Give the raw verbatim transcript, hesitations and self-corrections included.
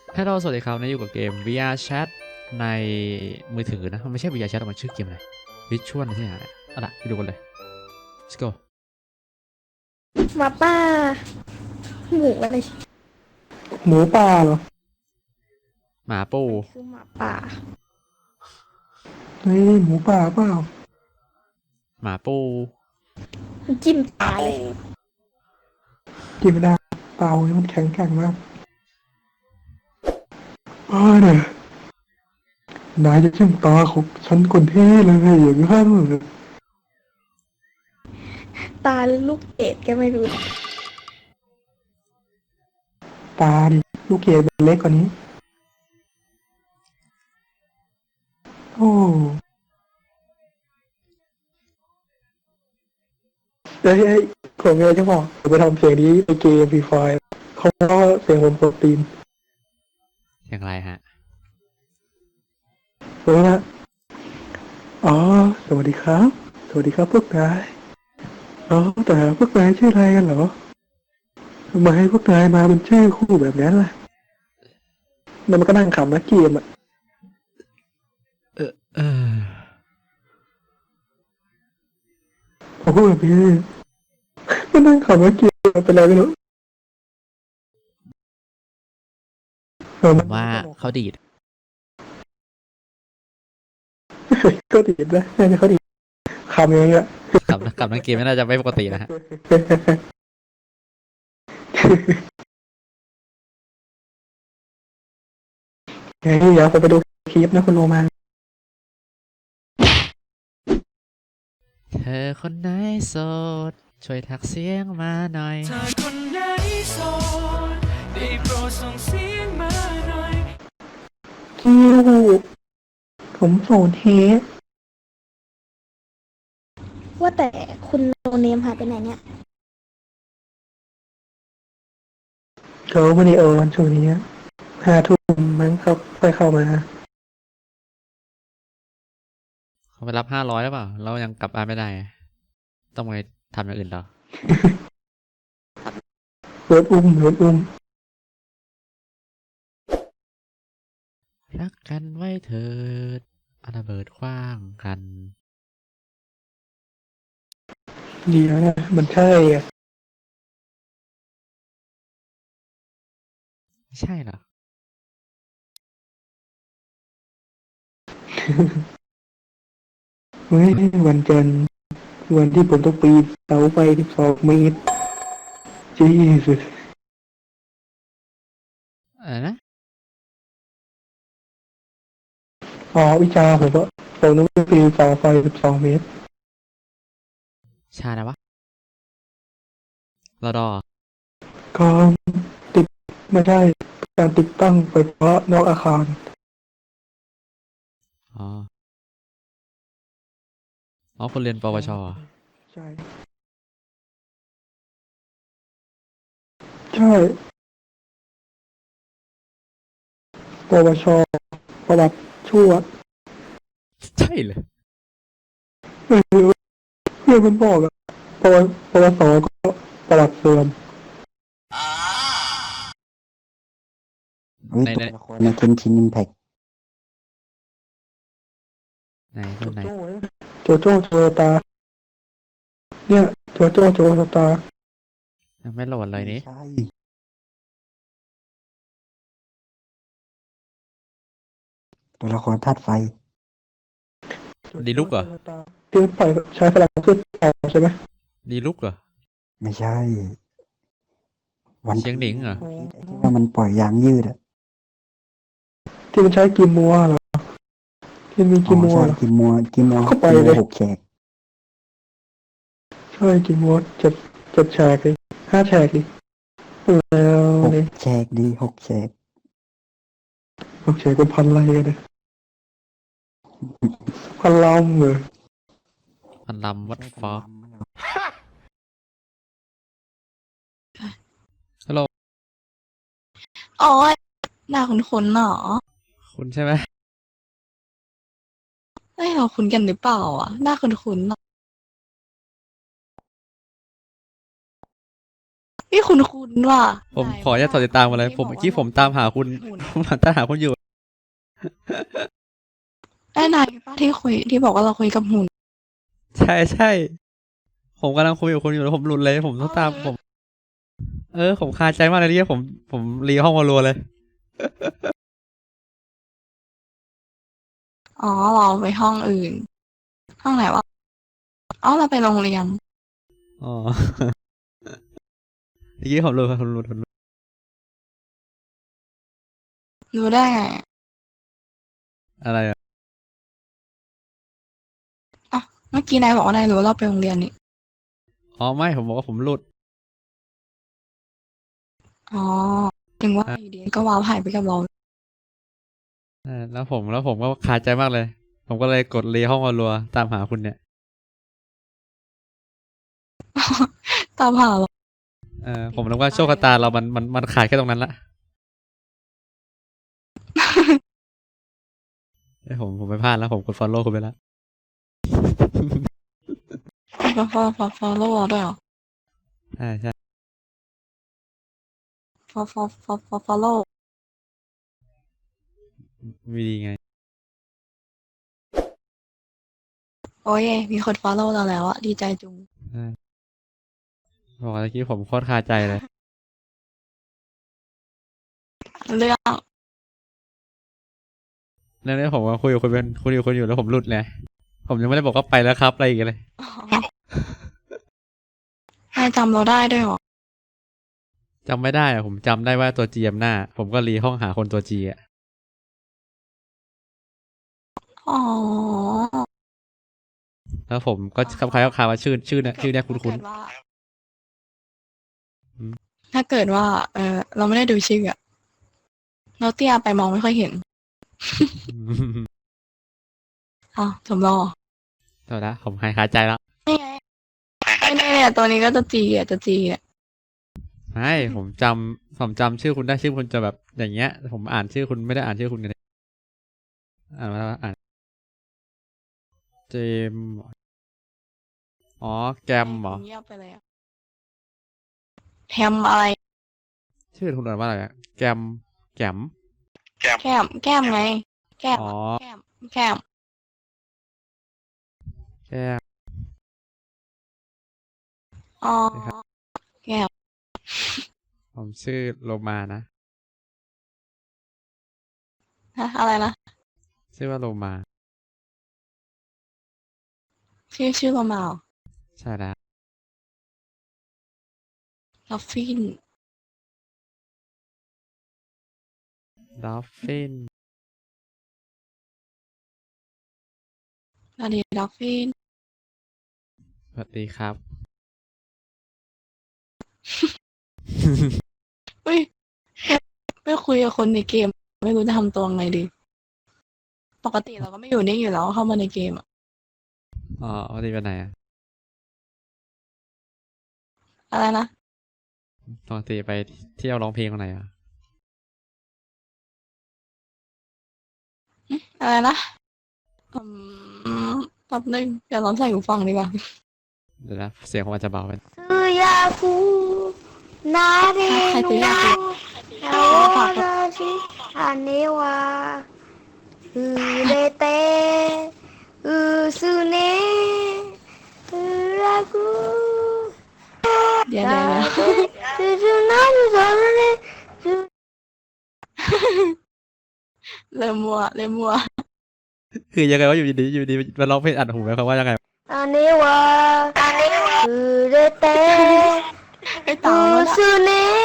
ฮัลโหลสวัสดีครับนี่อยู่กับเกม วี อาร์ Chat ในมือถือนะมันไม่ใช่ วี อาร์ Chat มันชื่อเกมอะไร Visual อะไรที่ไหนเนี่ยเอาล่ะไปดูกันเลย let's go หมาป่าหมูอะไรหมูป่าเหรอหมาปูมันคือหมาป่าเฮ้ยหมูป่าเปล่าหมาปูจิ้มตาเลยกินไม่ได้เปล่ามันแข็งแกร่งมากอ้าวเนี่ยนายจะชิมตาของฉันคนที่เลยอย่างนั้นเหรอตาหรือลูกเกดก็ไม่รู้ตาดิลูกเกดเล็กกว่านี้โอ้เอ้ยเอ้ยผมมีอะไรจะบอกผมไปทำเสียงนี้ในเกมฟรีไฟเขาเล่าเสียงผมโปรตีนอย่างไรฮะเฮ้ยนะอ๋อสวัสดีครับสวัสดีครับพวกนายอ๋อแต่พวกนายชื่ออะไรกันเหรอทำไมพวกนายมาเป็นชื่อคู่แบบนั้นล่ะแล้วมันก็นั่งขำนะเกมอ่ะเออเออผมพูดแบบนี้ก็นั่งขำนะเกมเป็นไรไม่รู้เออผมันมว่าเขาดีดก็ดีนะน่าจะเขาดีขำอย่างเงี้ยกับกับนักเกมไม่น่าจะไม่ปกตินะฮะเฮ้ยเดี๋ยวผมไปดูคลิปนะคุณโรมาเธอคนไหนโสดช่วยทักเสียงมาหน่อยเธอคนไหนโสดได้โปรดส่งเสียงมาหน่อยคิวผมโสดเฮดว่าแต่คุณโนเนมหายไปไหนเนี่ยเขาไม่ได้เออวันช่วงนี้ห้าทุ่มมั้งเขาค่อยเข้ามาเขาไปรับห้าร้อยหรือเปล่าเรายังกลับบ้านไม่ได้ ต้องไปทำอย่างอื่นต่อรถอุ้มรถอุ้มรักกันไว้เถิดเอาระเบิดขว้างกันเดียวนะมันใช่อ่ะไม่ใช่เหรอเฮ้ยวันจันทร์วันที่ผมต้องปีนเสาไฟสิบสองเมตรจีสุดอะไรนะอ๋อวิจารณ์ผมว่าผมต้องปีนเสาไฟสิบสองเมตรชานะวะรอดอก็ติดไม่ได้การติดตั้งไฟฟ้านอกอาคารอ๋อ อ๋อคนเรียนปวชเหรอใช่ใช่ปวชประวัติชั่วใช่เลยเออเพื่อนมันบอกอะปวปวสก็ประวัติเสื่อมเฮ้ยในตัวในละครในเกนชินอิมแพคไหนตัวไหนโจโจ้โจตา เนี่ยโจโจ้โจตายังไม่โหลดเลยนี่ใช่ ตัวละครธาตุไฟดีลุกเหรอที่ปล่อยใช้พลังขึ้นต่อใช่ไหมดีลุกเหรอไม่ใช่ วันเชียงหนิงเหรอไอ้ที่ว่ามันปล่อยยางยืดอะที่มันใช้กิมมัวเหรอที่มีอ๋กิอมมัวใช่เหรอกิมมัวกิมมัวเข้าไปกิมเลมัวย หกแฉกใช่กิมมัวเจ็ดเจ็ดแฉกเลยห้าแฉกดิแล้วหกนี่แฉกดีหกแฉกหกแฉกเป็นพันอะไรกันเนี่ยพันลำเหรอพันลำวัดฟอกฮัลโหลอ๋อหน้าคุ้นๆหรอคุณใช่ไหมไม่เราคุ้นกันหรือเปล่าอ่ะหน้าคุ้นๆหรอพี่คุณคุณว่ะผมขออนุญาตถอดติดตามมาเลย ผมเมื่อกี้ผมตามหาคุณ ผมตามหาคุณอยู่ไอ้นายป้าที่คุยที่บอกว่าเราคุยกับหุ่นใช่ใช่ ผมกำลังคุยกับคุณอยู่แล้วผมหลุดเลย ผมต้องตามผม เออ ผมคาใจมากเลยที่ผม ผมรีห้องมารัวเลยอ๋อเราไปห้องอื่น ห้องไหนวะอ๋อเราไปโรงเรียนอ๋อ เมื่อกี้ผมหลุดผมหลุดผมหลุดรู้ได้ไงอะไรอ่ะเมื่อกี้นายบอกว่านายรู้ว่าเราไปโรงเรียนนี่อ๋อไม่ ผมบอกว่าผมหลุดอ๋อถึงว่าอยู่ดีก็ว้าวหายไปกับเราเออแล้วผมแล้วผมก็คาใจมากเลย ผมก็เลยกดรีห้องมารัวตามหาคุณเนี่ยตามหาเราเออผมนึกว่าโชคชะตาเรามันมันมันขาดแค่ตรงนั้นละเอ้ยผมผมไปพลาดแล้วผมกด follow คุณไปแล้วฟอฟอฟอฟอโล่ด้วยเหรอใช่ใช่ฟอฟอฟอฟอฟอโล่มีดีไงโอ้ยมีคนฟอลโล่เราแล้วอะดีใจจุงใช่บอกว่าเมื่อกี้ผมโคตรคาใจเลยเรื่องเรื่องนี้ผมก็คุยกับคุณเป็นคุยกับคุณอยู่แล้วผมหลุดเลย ผมยังไม่ได้บอกว่าไปแล้วครับอะไรอีกเลยนายจำเราได้ด้วยเหรอจำไม่ได้อะผมจำได้ว่าตัว จี อำหน้า ผมก็รีห้องหาคนตัว G อ่ะอ๋อแล้วผมก็คำคล้ายๆคาว่าชื่อชื่อเนี่ยชื่อเนี่ยคุ้นถ้าเกิดว่าอืมถ้าเกิดว่า เออเราไม่ได้ดูชื่ออะเราเตี้ยไปมองไม่ค่อยเห็นๆอ้าวสมรอเอาละผมหายคาใจแล้วนี่ไงไม่แน่เนี่ยตัวนี้ก็จะจีอ่ะจะจีอ่ะไม่ผมจำผมจำชื่อคุณได้ชื่อคุณจะแบบอย่างเงี้ย ผมอ่านชื่อคุณไม่ได้อ่านชื่อคุณกันเลยอ่านมาแล้วอ่านเจมส์อ๋อแกมเหรอเงียบไปเลยอะแฮมอะไรชื่อคุณอ่านว่าอะไรอะแกมแกมแก้ม แก้มไง แก้มอ๋อแก้ม แก้มแกมอ๋อครับแก้มผมชื่อโลมานะฮะอะไรนะชื่อว่าโลมาชื่อชื่อเรามาเหรอใช่แล้วลอฟฟินดอฟฟินสวัสดีลอฟฟินสวัสดีครับอุ้ยไม่คุยกับคนในเกม ไม่รู้จะทำตัวไงดี ปกติเราก็ไม่อยู่นิ่งอยู่แล้วเข้ามาในเกมอะอ๋อวันนี้ไปไหนอะอะไรนะปกติไปเที่ยวร้องเพลงวันไหนอะอะไรนะอืมแป๊บนึงเดี๋ยวลองใส่หูฟังดีกว่าเดี๋ยวนะเสียงผมอาจจะเบาไป 수야구 나를 놓아라지 아내와 그래 때 으스네 으라구 เดี๋ยวเดี๋ยวเดี๋ยว 수수나무 저런에 เริ่มมัวเริ่มมัวคือยังไงว่าอยู่ดีๆอยู่ดีมาร้องเพลงอัดหูไหมครับว่ายังไง 아내와 그래 때 ไอ้ตามมันอะ 으스네